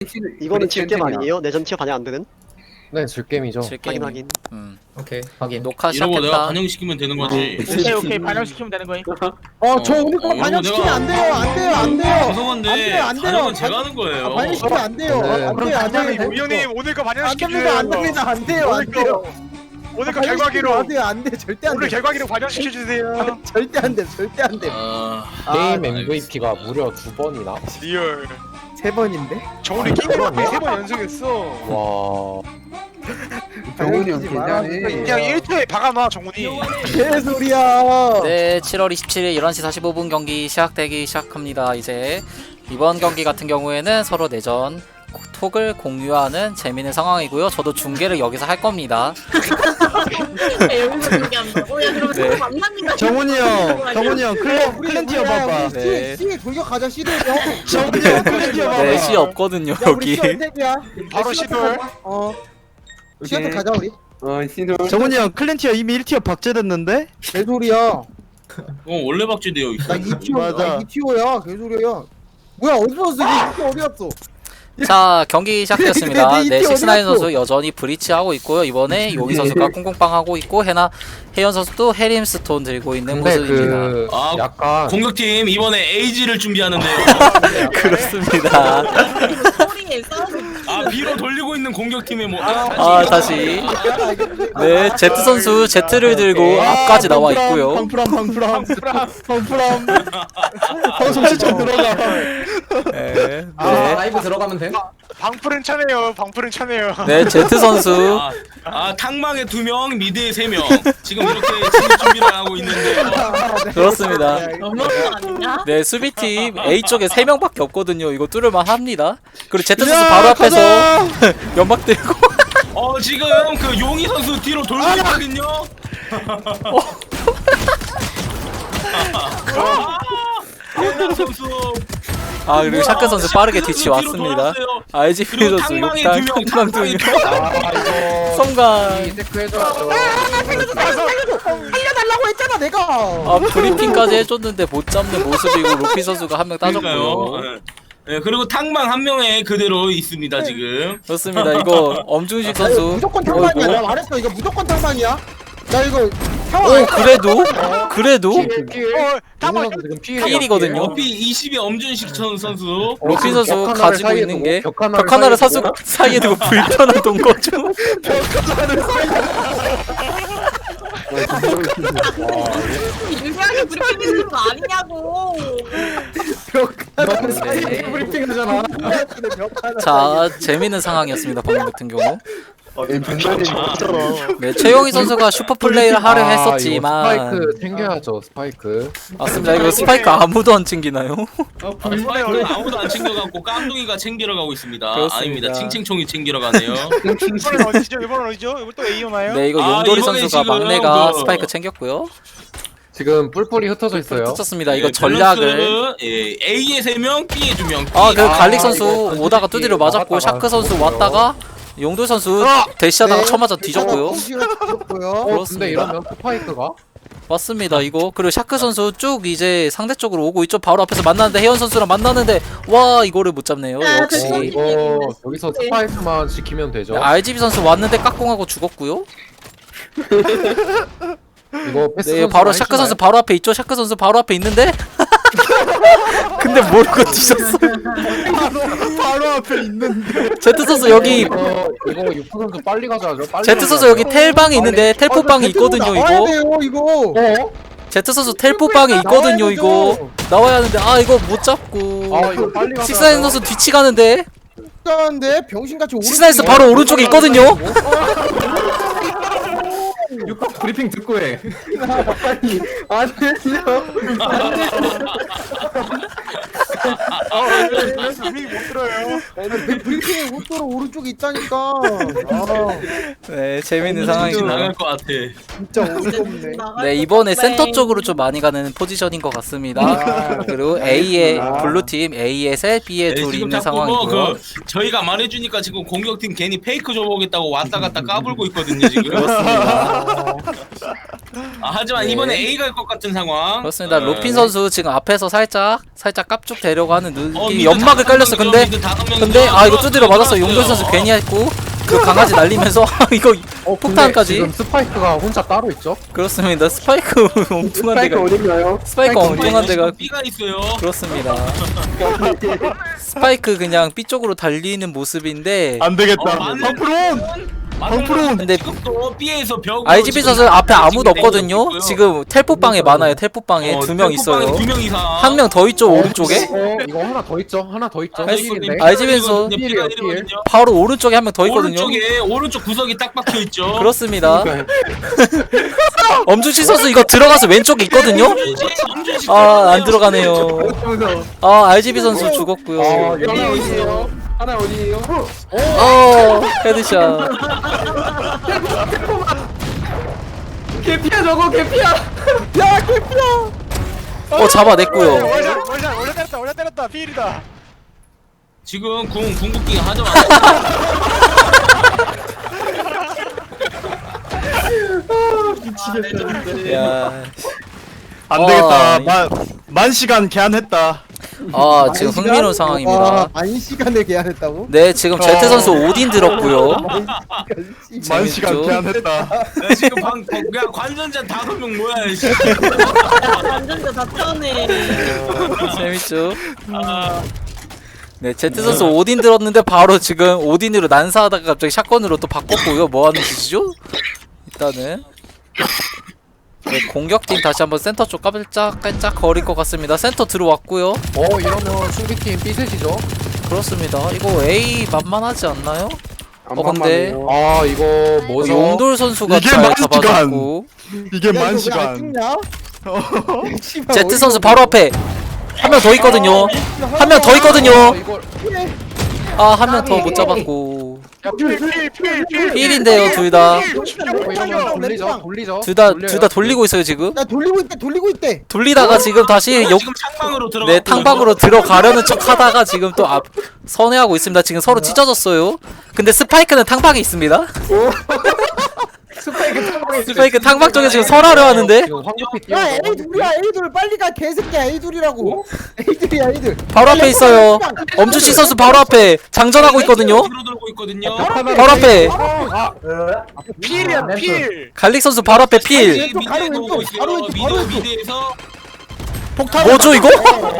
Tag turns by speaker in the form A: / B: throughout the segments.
A: 이거는 질겜 아니에요? 내전 티어 반영 안 되는?
B: 네, 질게임이죠.
A: 확인 확인.
C: 오케이 확인.
D: 이러고
E: 녹화
D: 내가
E: 시작했다.
D: 반영시키면 되는 거지.
F: 오케이 반영시키면 되는 거니까.
G: 저 오늘 거 반영시키면 안 돼요. 안 돼요. 안 돼요.
D: 죄송한데
G: 안 돼요.
D: 반영은 제가 하는 거예요.
G: 반영시키면 안 돼요.
B: 네.
G: 안 돼요. 안 돼요.
F: 우리 형님 오늘 거
G: 안
F: 반영시켜줘요.
G: 됩니다. 안 됩니다. 안 돼요. 안 돼요.
F: 오늘 거 결과기로
G: 안 돼요. 안 돼. 절대 안
F: 오늘
G: 돼.
F: 결과기로 반영시켜주세요.
G: 절대 안 돼. 절대 안 돼.
B: 게임 MVP가 무려 2번이나?
F: 리얼.
G: 3번인데?
F: 정훈이 게임 3번 연속했어.
B: 와.
G: 정훈이 형 괜찮네.
F: 그냥 1초에 박아놔 정훈이.
G: 개소리야.
E: 네, 7월 27일 11시 45분 경기 시작되기 시작합니다. 이제 이번 경기 같은 경우에는 서로 내전 톡을 공유하는 재미있는 상황이고요. 저도 중계를 여기서 할 겁니다.
H: 여기서 얘기한다고? 야 그럼
E: 네.
H: 만납니다.
G: 정훈이 형 클랜 티어 봐봐.
E: 네.
G: C 돌격하자. C를 정훈이 형 클랜 티어 봐봐.
E: 네, 시 없거든요,
G: 야 우리
E: 여기.
G: C 택이야.
F: 바로 시돌.
G: 시한테 가자 우리.
I: 정훈이 형 클랜티어 이미 1티어 박제됐는데?
G: 개소리야.
D: 원래 박제되어 있어.
G: 나 2티어.
I: 맞아.
G: 2티어야. 개소리야. 뭐야 어디서 왔어? 이거 어디 갔어?
E: 자, 경기 시작되었습니다.
G: 네,
E: 네,
G: 이티
E: 식스나인
G: 어디 갔어?
E: 선수 여전히 브리치 하고 있고요. 이번에 용희 선수가 꽁꽁빵 하고 있고, 혜연 선수도 해림스톤 들고 있는
B: 근데
E: 모습입니다.
B: 그
D: 아,
B: 약간
D: 공격팀 이번에 에이지를 준비하는데요.
E: 그렇습니다.
H: 소리에 싸우고.
D: 아 B로 돌리고 있는 공격팀의 뭐
E: 다시. 네, 제트 선수 제트를 들고 앞까지 나와 있고요.
I: 방프람 방송 시청 들어가.
E: 네,
C: 라이브 들어가면 돼?
F: 방풀은 차네요. 방풀은 차네요.
E: 네, 제트 선수.
D: 탕망에 2명, 미드에 3명. 지금 이렇게 진입 준비를 하고 있는데
E: 그렇습니다.
H: 너무한 거 아니냐?
E: 네, 수비팀 A 쪽에 3명밖에 없거든요. 이거 뚫을만 합니다. 그리고 제트 선수 바로 앞에서 연막 들고.
D: 지금 그 용희 선수 뒤로 돌고 있거든요. 용희 선수
E: 그리고 샤크 선수 빠르게 뒤치
D: 뒤로
E: 왔습니다.
D: 돌아왔어요.
E: RGP
D: 그리고
E: 선수
D: 탕망에
E: 욕당,
D: 2명,
E: 탕망
D: 탕망에
E: 2명. 성관.
B: 체크 해줘야죠.
G: 살려달라고 했잖아 내가.
E: 브리핑까지 해줬는데 못 잡는 모습이고 로피 선수가 한 명 따졌고요.
D: 그러니까요. 네, 그리고 탕망 한 명에 그대로 있습니다 지금.
E: 그렇습니다. 이거 엄중식 선수.
G: 무조건 탕방이야. 내가 말했어. 이거 무조건 탕방이야. 나 이거 상황
E: 오, 그래도
F: 탕방
B: 선수 지금 피해.
E: 필이거든요.
D: 로피 20의 엄준식 선수.
E: 로피 선수
B: 벽 하나를
E: 가지고
B: 사이에
E: 있는
B: 두고,
E: 게
B: 벽
E: 벽
B: 하나를
E: 하나를
B: 사이에 두고.
E: 사이에 두고 불편한 동거죠.
H: 유리하게 브리핑 해주는 거 아니냐고.
B: 브리핑 하잖아.
E: 자, 재밌는 상황이었습니다. 방금 같은 경우.
A: 없잖아.
E: 네, 최용희 선수가 슈퍼 플레이를 하려
B: 이거
E: 했었지만
B: 스파이크 챙겨야죠. 스파이크.
E: 맞습니다. 이거 스파이크 아무도 안 챙기나요?
D: 스파이크는 아무도 안 챙겨갖고 깡둥이가 챙기러 가고 있습니다.
E: 그렇습니다.
D: 아닙니다. 칭칭총이 챙기러 가네요.
F: 이번엔 어디죠? 이번엔 어디죠? 이거 또 A 오나요?
E: 네, 이거 용돌이
D: 이번에
E: 선수가
D: 지금
E: 막내가
D: 그-
E: 스파이크 챙겼고요.
B: 지금 뿔뿔이 흩어져 있어요.
E: 뜯었습니다. 이거
D: 네,
E: 전략을.
D: 밸런스, A에 3명, B에 2명.
E: 그 갈릭 선수
B: 이거
E: 오다가 두드려 맞았고,
B: 나갔다가
E: 샤크 선수
B: 죽었고요.
E: 왔다가 용돌 선수 대시하다가 쳐맞아 뒤졌고요.
B: 근데
E: 그렇습니다.
B: 이러면 스파이크가?
E: 맞습니다. 이거 그리고 샤크 선수 쭉 이제 상대쪽으로 오고 있죠. 바로 앞에서 만나는데 혜연 선수랑 만나는데 와 이거를 못 잡네요. 역시.
B: 이거 여기서 스파이크만 지키면 되죠.
E: RGB 선수 왔는데 깍공하고 죽었고요.
B: 이거 패스.
E: 네, 바로 샤크 선수 바로 앞에 있죠. 샤크 선수 바로 앞에 있는데 근데 모르고 뒤졌어.
I: 바로 앞에 있는데.
E: 제트 선수 여기
B: 이거 유프 선수 빨리 가져야죠. 빨리
E: 제트 선수 여기 텔방이 있는데 텔포방이 있거든요. 이거 제트 선수 텔포방에 있거든요. 이거 나와야 하는데 이거 못 잡고.
B: 이거 빨리 가져야죠.
E: 식사인 선수 뒤치 가는데
G: 데 병신같이
E: 식사인 선수 바로 오른쪽에 있거든요.
C: 브리핑 듣고 해.
G: 안 되죠.
F: 분위기 못 들어요.
G: 브리핑에 웃도로 오른쪽에 있다니까.
E: 네, 재밌는
D: 진짜
E: 상황입니다.
D: 나갈 것 같아.
G: 진짜 어이가 없네.
E: 네, 이번에 센터 쪽으로 좀 많이 가는 포지션인 것 같습니다. 그리고 A에 블루팀 A에 셋, B에 둘
D: 지금
E: 있는
D: 자꾸
E: 상황이고요.
D: 저희가 말해주니까 지금 공격팀 괜히 페이크 줘보겠다고 왔다 갔다 까불고 있거든요 지금.
E: 그렇습니다.
D: 하지만
E: 네.
D: 이번에 A 갈 것 같은 상황.
E: 그렇습니다. 로핀 선수 지금 앞에서 살짝 깝죽 되려고 하는 느낌이
D: 미드
E: 연막을
D: 다섯
E: 깔렸어.
D: 명이죠,
E: 근데
D: 미드 다섯 명이죠.
E: 근데 아 이거 두드려 맞았어.
D: 들어왔어요.
E: 용돌 선수 괜히 했고 그 강아지 날리면서 이거
B: 근데
E: 폭탄까지.
B: 지금 스파이크가 혼자 따로 있죠?
E: 그렇습니다. 스파이크 엉뚱한 데가
G: 어딨나요?
E: 스파이크 엉뚱한 데가
D: B가 있어요.
E: 그렇습니다. 스파이크 그냥 B 쪽으로 달리는 모습인데
I: 안 되겠다.
D: 맞네.
I: 방프론. 방프론.
D: 근데 지금 또 B에서 벽.
E: IGB 선수 앞에 아무도 없거든요. 지금 텔포방에 많아요. 텔포방에 두 명 있어요.
D: 2명 이상.
E: 한 명 더 있죠 오른쪽에.
B: 이거 하나 더 있죠? 하나 더 있죠?
E: 알-
B: 필인데?
E: IGB 선수
D: B가
B: 필.
D: 1이거든요.
E: 바로 오른쪽에 한 명 더 있거든요.
D: 오른쪽에 오른쪽 구석이 딱 박혀 있죠.
E: 그렇습니다. 엄준씨 선수 이거 들어가서 왼쪽에 있거든요. 아 안 들어가네요. 아 RGB 선수 죽었고요.
G: 하나 어디에요? 하나 어디에요?
E: 헤드샷.
G: 개피야 저거 개피야. 야 개피야.
E: 잡아냈고요.
F: 원래 때렸다 피일이다.
D: 지금 궁극기 하자마자
E: 야.
I: 안 되겠다.
E: 아,
I: 만 시간 개안했다.
E: 지금 흥미로운 상황입니다.
G: 만 시간에 계약했다고?
E: 네 지금 제트 선수 오딘 들었고요.
I: 만 시간
E: 재밌죠?
I: 개안했다.
D: 야, 지금 그냥 관전자 5명 뭐야 씨.
H: 완전 다 편해.
E: 재밌죠? 네, 제트 선수 오딘 들었는데 바로 지금 오딘으로 난사하다가 갑자기 샷건으로 또 바꿨고요. 뭐 하는 짓이죠? 일단은 네, 공격팀 다시 한번 센터 쪽 깔짝깔짝 거릴 것 같습니다. 센터 들어왔고요.
B: 이러면 수비팀 B셋이죠?
E: 그렇습니다. 이거 A 만만하지 않나요? 근데
B: 이거 뭐죠?
E: 용돌 선수가
I: 이게
E: 잘
I: 만 시간.
E: 잡아줬고
I: 이게 만 시간.
E: 제트 선수 바로 앞에 한 명 더 있거든요. 한 명 더 있거든요.
B: 이걸
E: 한 명 더 못 잡았고
F: 필.
E: 1인데요 둘 다.
B: 돌리죠.
E: 둘 다 돌리고 있어요 지금.
G: 야 돌리고 있대.
E: 돌리다가 지금 다시
D: 지금 창방으로 들어가.
E: 네 탕방으로 들어가려는 척 하다가 지금 또 선회하고 있습니다. 지금 서로 찢어졌어요. 근데 스파이크는 탕방에 있습니다. 스파이크 탕방 쪽에 지금 설하려 하는데
B: 지금 황급히
G: 야
B: 뛰어서
G: A 둘이야 A 둘 빨리 가 개새끼야 A 둘이라고. A 둘이야 A 둘.
E: 바로 앞에 있어요. 엄주씨 선수 바로 앞에 장전하고 있거든요.
D: 뒤로 돌고 있거든요.
E: 바로 앞에
F: 필이야 필.
E: 갈릭 선수 바로 앞에 필.
G: 왼쪽, 바로
D: 미드에서
G: 왼쪽,
D: 오고 있어요.
G: 바로 왼쪽, 바로 왼쪽.
D: 미드에서
E: 뭐죠 이거?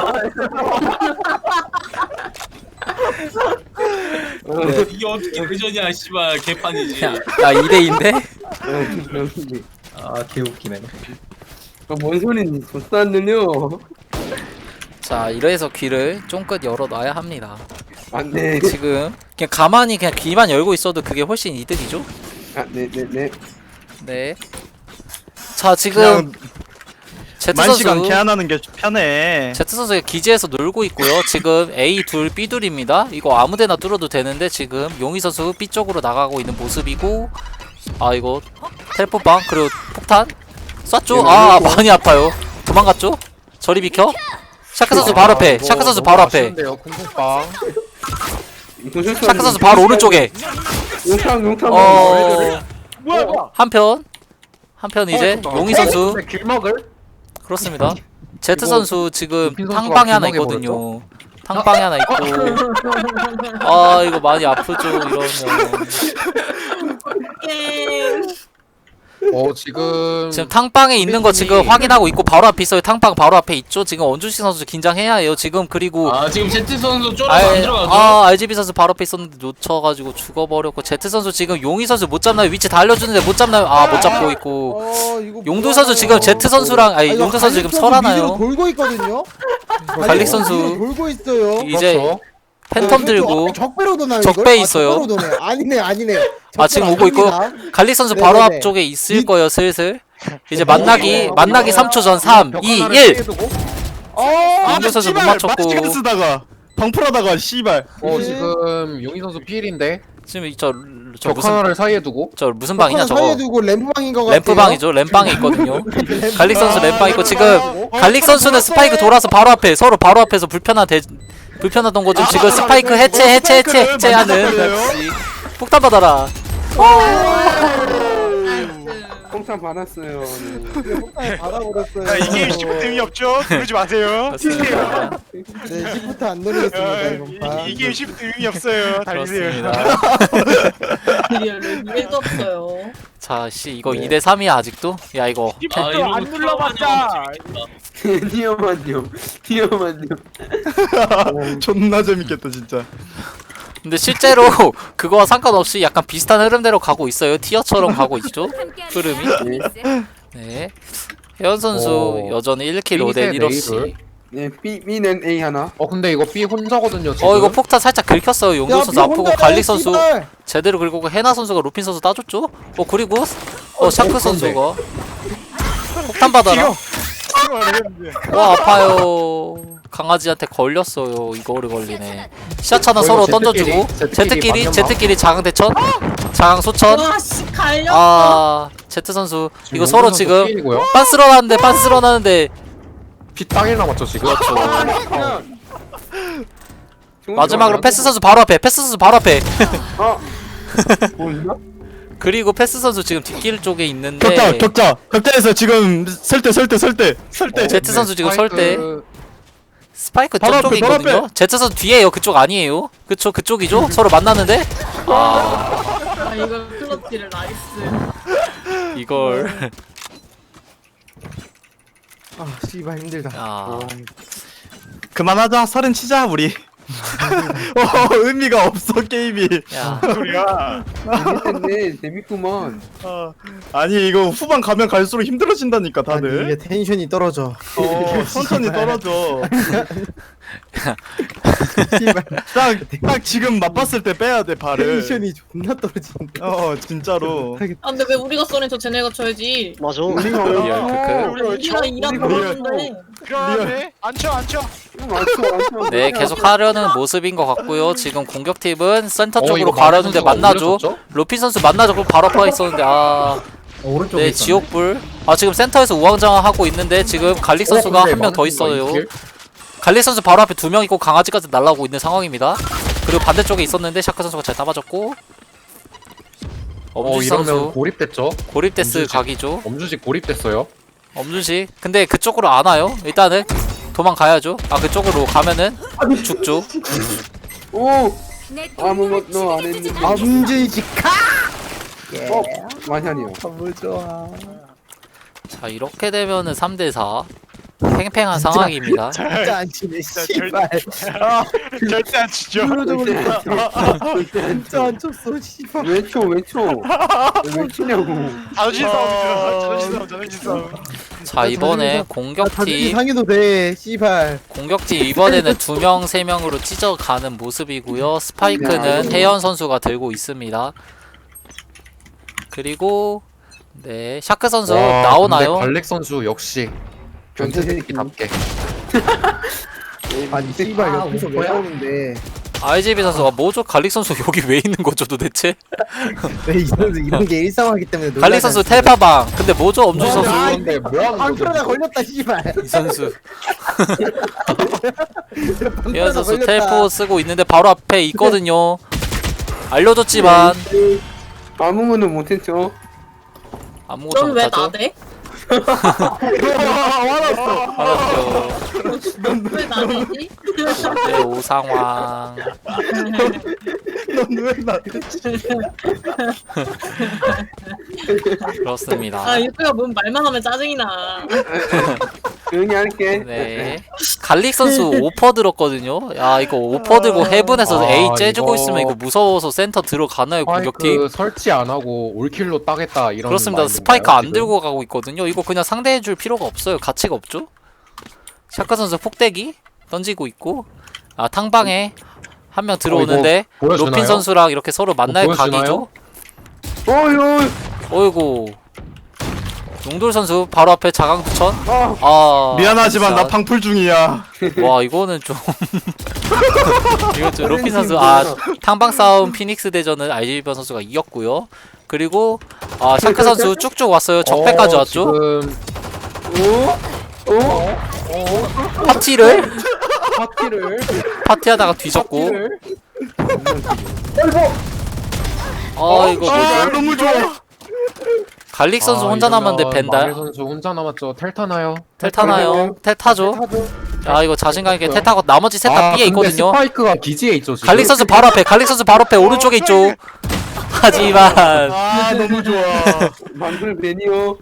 D: 이게 어떻게 회전이야 씨발 개판이지.
E: 야 2대2인데?
C: 아 개웃기네.
G: 뭔 소린 줬었느뇨.
E: 자 이래서 귀를 쫑긋 열어놔야 합니다.
G: 안돼.
E: 지금 그냥 가만히 그냥 귀만 열고 있어도 그게 훨씬 이득이죠?
G: 네네네.
E: 네. 자 지금
I: 그냥
E: 제트
I: 만 시간
E: 선수
I: 개안하는 게 편해.
E: 제트 선수가 기지에서 놀고 있고요. 지금 A 둘 B 둘입니다. 이거 아무데나 뚫어도 되는데 지금 용희 선수 B 쪽으로 나가고 있는 모습이고 이거 텔포방 그리고 폭탄 쐈죠? 많이 아파요. 도망갔죠? 저리 비켜. 샤크 선수 바로 앞에. 샤크 선수 바로 앞에.
B: 쿵쿵빵.
E: 샤크 선수 바로 오른쪽에.
G: 용탕.
F: 뭐야?
E: 한편 이제 용희 선수
B: 길먹을?
E: 그렇습니다. 제트 선수 지금
B: 루핀 선수가
E: 탕방에 하나
B: 길막에
E: 있거든요. 탕방에 하나 있고 이거 많이 아프죠 이러면.
B: 지금
E: 지금 탕방에 있는 거 지금 확인하고 있고 바로 앞에 있어요. 탕방 바로 앞에 있죠. 지금 원준씨 선수 긴장해야 해요. 지금 그리고
D: 지금 제트 선수 쫄아서 안 들어가죠.
E: RGB 선수 바로 앞에 있었는데 놓쳐가지고 죽어버렸고 제트 선수 지금 용희 선수 못 잡나요? 위치 다 알려주는데 못 잡나요? 못 잡고 있고 용도 선수 지금 제트 선수랑 용도 선수 지금 설하나요?
G: 돌고 있거든요.
E: 갈릭 선수
G: 돌고 있어요.
E: 이제
B: 그렇죠.
E: 팬텀 들고
G: 적배로 도나요?
E: 적배 있어요.
G: 적배로 도네. 아니네.
E: 지금 오고 있고 갈릭 선수 바로
G: 네네네.
E: 앞쪽에 있을 거예요 슬슬. 이제 만나기 3초 전 3, 2, 1. 용도 선수 못 맞췄고
I: 만 시간 쓰다가 방풀하다가 씨발.
B: 지금 용희 선수 필인데
E: 지금 저
B: 적
E: 무슨
B: 하나를 사이에 두고
E: 무슨 방이냐 저거.
G: 사이에 두고 램프방인 거 같아요.
E: 램프방이죠. 램방에 있거든요. 갈릭 선수 램방 있고 지금 갈릭 선수는 스파이크 돌아서 바로 앞에 서로 바로 앞에서 불편하던 거 좀 지금 스파이크 해체하는 역시 폭탄 받아라.
J: 폭탄 받았어요.
G: 폭탄에 받아버렸어요.
F: 야, 이 게임 시프트 의미 없죠? 누르지 마세요.
E: 그렇습니다.
G: 네, 시프트 안 누르겠습니다 이번 판.
F: 이 게임 시프트 의미 없어요. 달리세요.
E: 그렇습니다.
H: 리얼로 이해도 없어요.
E: 자, 씨 이거 2대 3이야 아직도? 야 이거
F: 시프트
D: 이런
F: 안
D: 거
F: 눌러봤자.
J: 티어만요. 티어만요.
I: 존나 재밌겠다 진짜.
E: 근데 실제로 그거와 상관없이 약간 비슷한 흐름대로 가고 있어요. 티어처럼 가고 있죠. 흐름이. 네. 혜연 선수 여전히 1킬 5대 1어씩.
J: 네, B는 A 하나.
B: 근데 이거 B 혼자거든요 지금.
E: 이거 폭탄 살짝 긁혔어요. 용도 선수 아프고 갈릭 선수 제대로 긁고 해나 선수가 루핀 선수 따줬죠. 그리고 샤크 선수가 폭탄 받아라. 와 아파요. 강아지한테 걸렸어요. 이거를 걸리네. 시야차나 서로 던져주고 제트끼리 장응 대천, 장응 소천.
H: 와씨 갈렸어.
E: 제트 선수 이거 서로 지금
B: B이고요.
E: 빤스런하는데
B: B 땅일 남았죠 지금.
E: 그렇죠. 마지막으로 패스 선수 바로 앞에.
J: 뭐냐?
E: 그리고 패스 선수 지금 뒷길 쪽에 있는데
I: 격자에서 지금 설대.
E: 제트 선수 지금 설때 스파이크
I: 바로
E: 저쪽에
I: 앞에, 바로
E: 있거든요. 제트 선수 뒤에요. 그쪽 아니에요. 그쵸 그쪽이죠. 서로 만나는데
H: 이거 클러치를 나이스.
E: 이걸
G: 아 씨발 힘들다.
I: 그만하자. 설은 치자 우리. 의미가 없어 게임이.
F: 소리야.
J: 재밌네. 재밌구만.
I: 아니 이거 후반 가면 갈수록 힘들어진다니까
G: 아니,
I: 다들.
G: 이게 텐션이 떨어져.
I: 천천히 떨어져.
G: 씨발
I: 딱 지금 맛봤을 때 빼야 돼 발을.
G: 텐션이 존나 떨어진다.
I: 진짜로.
H: 아 근데 왜 우리가 쏘는 저 쟤네가 쳐야지.
A: 맞아.
E: 리얼 크크.
H: 우리가 일하고 있는데.
F: 그러네. 안 쳐.
E: 네 계속 하려는 모습인 것 같고요. 지금 공격팀은 센터 쪽으로
B: 이거
E: 가려는데
B: 선수가
E: 만나죠.
B: 올려줬죠?
E: 로핀 선수 만나죠. 그럼 바로 앞에 있었는데
C: 오른쪽에
E: 네
C: 있었네.
E: 지옥불. 지금 센터에서 우왕좌왕하고 있는데 지금 갈릭 선수가 한 명 더 있어요. 갈릭 선수 바로 앞에 2명 있고 강아지까지 날라오고 있는 상황입니다. 그리고 반대쪽에 있었는데 샤크 선수가 잘 따봐줬고 엄준식
B: 이러면
E: 선수
B: 고립됐죠.
E: 고립데스
B: 엄준식.
E: 각이죠.
B: 엄준식 고립됐어요.
E: 엄준식 근데 그쪽으로 안 와요. 일단은 도망가야죠. 그쪽으로 가면은 죽죠.
J: 오. 아무것도 안 했는데.
G: 엄준식카.
J: 마샤니요.
G: 너무 좋아.
E: 자 이렇게 되면은 3대4 팽팽한 상황입니다.
G: 진짜 안 치네.
F: 진짜
G: 씨발.
F: 절대 안 치죠.
G: 진짜 안 쳤어. 씨발.
J: 왜 쳐? 왜 치냐고.
F: 자존심 싸움이죠. 자존심 싸움.
E: 자 이번에
G: 자존심
E: 공격팀
G: 상해도 돼. 씨발.
E: 이번에는 2명 3명으로 찢어가는 모습이고요. 스파이크는 혜연 선수가 들고 있습니다. 그리고 네 샤크 선수 나오나요?
B: 갈릭 선수 역시 변태새끼답게.
G: 아니 씨발 옆에서 왜 나오는데?
E: RGB 선수가 뭐죠? 갈릭 선수 여기 왜 있는 거죠 도대체?
G: 왜 이 선수 이런 게 일상화기 때문에
E: 갈릭 선수 텔파방. 근데 뭐죠? 엄준 선수.
B: 근데 뭐하는 거죠?
G: 방패나 걸렸다 씨발.
E: 이 선수. 혜연
G: 방패나
E: 선수
G: 걸렸다.
E: 텔포 쓰고 있는데 바로 앞에 있거든요. 알려줬지만
J: 아무거나 못했죠.
E: 아무것도
H: 넌 왜
E: 못하죠.
H: 나대?
E: 알았죠.
H: 왜 나대지?
E: 네, 오상황.
G: 넌왜 나대?
E: 그렇습니다.
H: 유튜브가 뭔 말만 하면 짜증이 나.
J: 조용히 할게.
E: 네. 갈릭 선수 오퍼 들었거든요. 야, 이거 오퍼 들고 헤븐에서 A 째주고
B: 이거-
E: 있으면 이거 무서워서 센터 들어가나요, 공격팀?
B: 설치 안 하고 올킬로 따겠다 이런.
E: 그렇습니다.
B: 마인드인가요,
E: 스파이크 안
B: 지금?
E: 들고 가고 있거든요. 이거 그냥 상대해줄 필요가 없어요. 가치가 없죠? 샤카 선수 폭대기 던지고 있고, 탕방에 한 명 들어오는데
B: 이거 보여주나요?
E: 로핀 선수랑 이렇게 서로 만날
B: 보여주나요?
E: 각이죠. 어이구. 용돌 선수 바로 앞에 자강두천.
I: 미안하지만
E: 진짜.
I: 나 방풀 중이야.
E: 와 이거는 좀 이거 좀 로핀 선수 탕방 싸움 피닉스 대전은 RGB 선수가 이겼고요. 그리고 샤크 선수 쭉쭉 왔어요. 적배까지 왔죠.
B: 지금
E: 파티를 파티하다가
B: 어,
E: 뒤졌고. 이거 뭐죠?
I: 너무 좋아.
E: 갈릭 선수 혼자 남았는데
B: 마늘
E: 벤달
B: 선수 혼자 남았죠. 텔 타나요?
E: 텔 타나요? 텔 타죠. 아 이거 자신감 있게 텔 타고 나머지 셋 다 B에
B: 근데
E: 있거든요.
B: 스파이크가 기지에 있죠 지금.
E: 갈릭 선수 바로 앞에 갈릭 선수 바로 앞에 오른쪽에 있죠. 하지만
I: 아 너무 좋아.
J: 만불 매니어.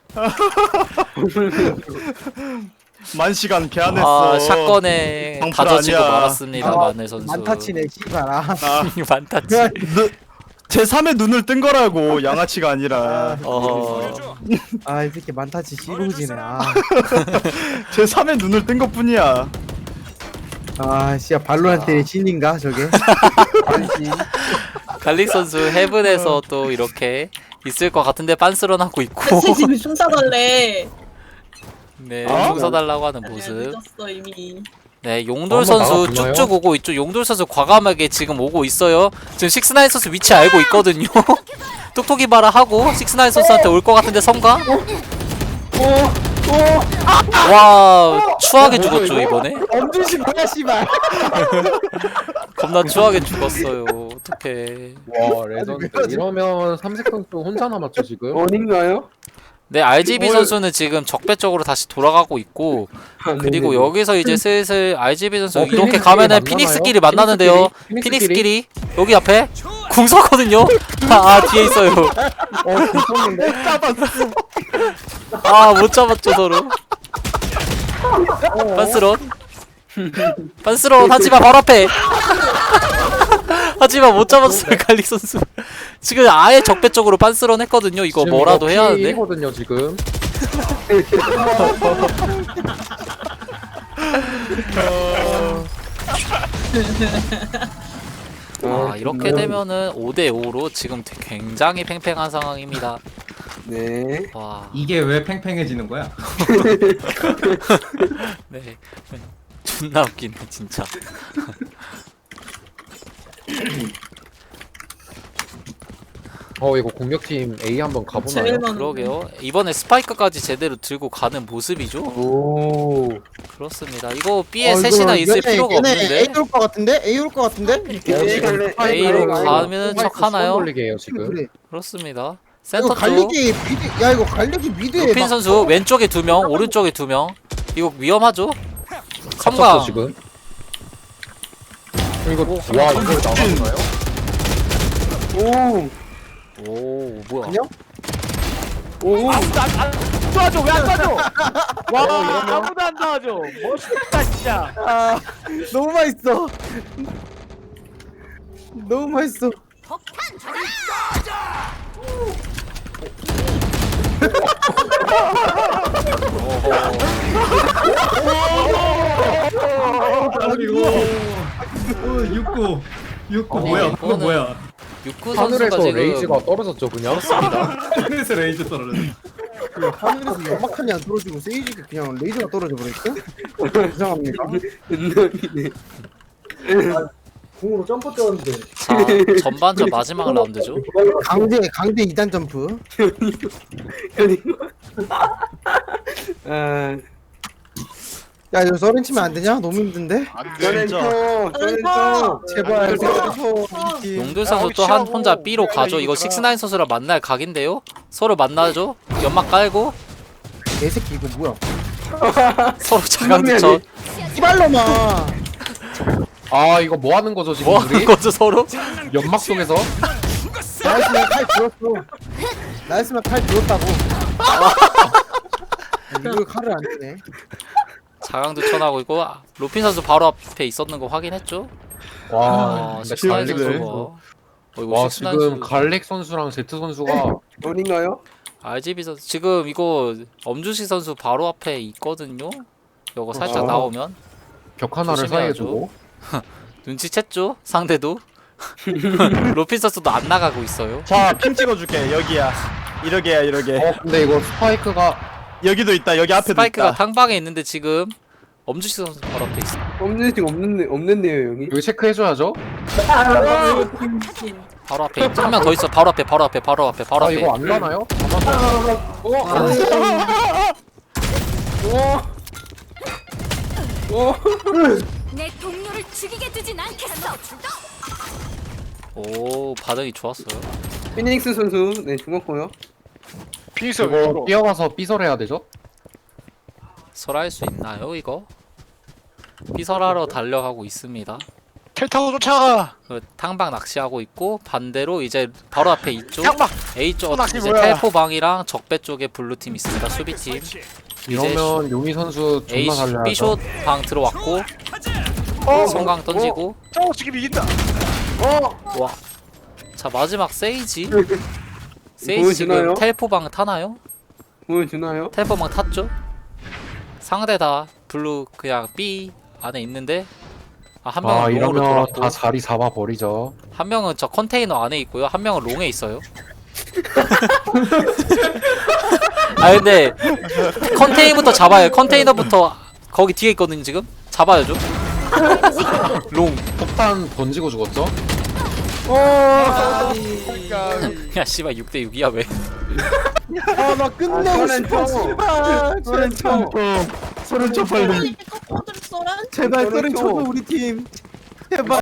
I: 만시간 개안했어.
E: 아 샷건에
I: 방풀
E: 다져지고
I: 아니야.
E: 말았습니다.
G: 아,
E: 마늘 선수.
G: 만타치네 씨발아.
E: 만타치.
I: 제 3의 눈을 뜬 거라고 양아치가 아니라
G: 아이 새끼 만타치 씨루지네.
I: 제 3의 눈을 뜬 것뿐이야.
G: 아 씨야 발로란트의 신인가 저게?
E: 갈릭 선수 헤븐에서 또 이렇게 있을 것 같은데 빤스런하고 있고
H: 쟤 지금 총 쏴달래.
E: 네
I: 어?
E: 총 써달라고 하는
H: 아니야,
E: 모습.
H: 늦었어 이미.
E: 네 용돌
B: 한번
E: 선수
B: 나가보나요?
E: 쭉쭉 오고 있죠. 용돌 선수 과감하게 지금 오고 있어요. 지금 식스나인 선수 위치 알고 있거든요. 톡톡이 바라 하고 식스나인 선수한테 올 것 같은데 성가? 와 추하게 죽었죠 이번에.
G: 엄준씨 뭐야 씨발.
E: 겁나 추하게 죽었어요. 어떡해.
B: 와 레전드. 이러면 삼색 선수 혼자 남았죠 지금.
J: 어딘가요?
E: 네 RGB 선수는 지금 적배 쪽으로 다시 돌아가고 있고 그리고 여기서 이제 슬슬 RGB 선수 이렇게
B: 피닉스끼리
E: 가면은
B: 만나나요?
E: 피닉스끼리 만나는데요.
B: 피닉스끼리?
E: 피닉스끼리 여기 앞에 궁 섰거든요. 아 뒤에 있어요. 아 못 잡았죠 서로. 빤스런 하지만 바로 앞에. 하지만 못 잡았어요 갈릭 선수. 지금 아예 적배 쪽으로 빤스런 했거든요. 이거 뭐라도 해야 하는데.
B: 거든요 지금.
E: 아 이렇게 되면은 5대5로 지금 굉장히 팽팽한 상황입니다.
J: 네.
E: 와,
C: 이게 왜 팽팽해지는 거야?
E: 네, 존나 웃기네 진짜.
B: 이거 공격팀 A 한번 가보나요?
H: 제일 많은.
E: 그러게요. 이번에 스파이크까지 제대로 들고 가는 모습이죠.
J: 오.
E: 그렇습니다. 이거 B에 셋이나 있을 필요가 없는데
G: A 올것 같은데? A 올것 같은데?
J: A 갈래?
E: A로 가면 척 하나요?
B: 걸리게 해요 지금.
G: 그래.
E: 그렇습니다.
G: 이거
E: 센터 쪽
G: 갈리기 미드. 야 이거 갈리기 미드에
E: 루핀
G: 막-
E: 선수 왼쪽에 2명, 오른쪽에 2명. 이거 위험하죠?
B: 갇혔어
E: 섬광.
B: 지금. 이거 와 이걸 나가나요?
J: 오.
E: 오 뭐야?
G: 안녕?
J: 오.
F: 도와줘 왜 안 도와줘? 와 아무도 안 도와줘. 멋있다 진짜.
G: 아 너무 맛있어. 너무 맛있어.
C: 육구
E: 아니,
C: 뭐야?
E: 이거는-
C: 그거 뭐야?
E: 육구 선수가
B: 하늘에서
E: 지금
B: 레이즈가 떨어졌죠 그냥.
C: 하늘에서 레이저 떨어졌어.
G: 하늘에서 연막탄이 안 떨어지고 세이지가 그냥 레이저가 떨어져 버렸어? 이상합니다.
J: 은남이네.
G: 공으로 점프 뛰었는데
E: 자 전반전 마지막 라운드죠.
G: 강제 2단 점프.
J: 아.
G: 야 이거 서렌 치면 안 되냐? 너무 힘든데?
J: 저렌터. 저렌터.
G: 제발 서렌
E: 용돌 선수 또 한 혼자 B로 가죠. 이거 식스나인 선수랑 만날 각인데요. 서로 만나죠. 연막 깔고
G: 개새끼 이거 뭐야?
E: 서로 자강두천.
G: 이발로마.
B: 아 이거 뭐 하는 거죠 지금
E: 뭐 하는
B: 우리?
E: 거죠 서로?
B: 연막 속에서?
G: 나였으면 칼 들었어. 나였으면 칼 들었다고. 이거 칼을 안 드네.
E: 자강두천하고 있고 로핀 선수 바로 앞에 있었는 거 확인했죠?
B: 와
E: 아,
B: 근데
E: 식스나인
B: 갈릭
E: 선수가.
B: 선수.
E: 이거
B: 와
E: 식스나인
B: 지금
E: 선수.
B: 갈릭 선수랑 제트 선수가
J: 어딘가요?
E: RGB 선수 지금 이거 엄주식 선수 바로 앞에 있거든요. 이거 살짝
B: 아.
E: 나오면
B: 벽 하나를 사이에
E: 조심해야죠.
B: 두고.
E: 눈치챘죠? 상대도. 로핀 선수도 안 나가고 있어요.
I: 자핑 찍어줄게. 여기야. 이러게야 이러게.
B: 근데 이거 스파이크가
I: 여기도 있다. 여기 앞에도
E: 스파이크가
I: 있다.
E: 탕방에 있는데 지금 엄주식 선수 바로 앞에 있어.
J: 없는데요 여기.
B: 여기 체크해줘야죠.
E: 바로 앞에 한 명 더 있어. 바로 앞에 바로 앞에 바로 앞에 바로
B: 아
E: 앞에.
B: 이거 안 가나요?
K: 내 동료를 죽이게 두진 않겠어.
E: 오 반응이 좋았어요.
J: 피닉스 선수 네 죽었고요.
F: 빙수
B: 이거 뛰어가서 삐설해야 되죠?
E: 설할 수 있나요 이거? 삐설하러 달려가고 있습니다.
F: 텔 타고 쫓아가.
E: 그 탕방 낚시하고 있고 반대로 이제 바로 앞에 이쪽
F: 탕방.
E: A 쪽
F: 낚시
E: 이제
F: 뭐야?
E: 텔포방이랑 적배 쪽에 블루팀 있습니다. 수비팀
B: 이러면 용희 선수
E: A
B: 존나 살려야
E: B숏 방 들어왔고 성강 던지고
F: 저거 지금 이긴다.
E: 와. 자 마지막 세이지
J: 보여주나요?
E: 세이지 지금 텔포방 타나요?
J: 보여주나요?
E: 텔포방 탔죠? 상대 다 블루 그냥 B 안에 있는데 한 명은 롱으로
B: 이러면
E: 돌았고
B: 다 자리 잡아버리죠.
E: 한 명은 저 컨테이너 안에 있고요. 한 명은 롱에 있어요. 아 근데 컨테이너부터 잡아요. 컨테이너부터 거기 뒤에 있거든요. 지금 잡아야죠. 롱.
B: 폭탄 던지고 죽었죠?
E: 야 씨발 6대 6이야 왜?
G: 아나 끝내고 싶어. 씨발.
J: 소렌 쳐.
I: 소렌 쳐 빨리.
H: 꼬들 쏘란?
G: 제발 소렌 쳐줘 우리 팀. 제발.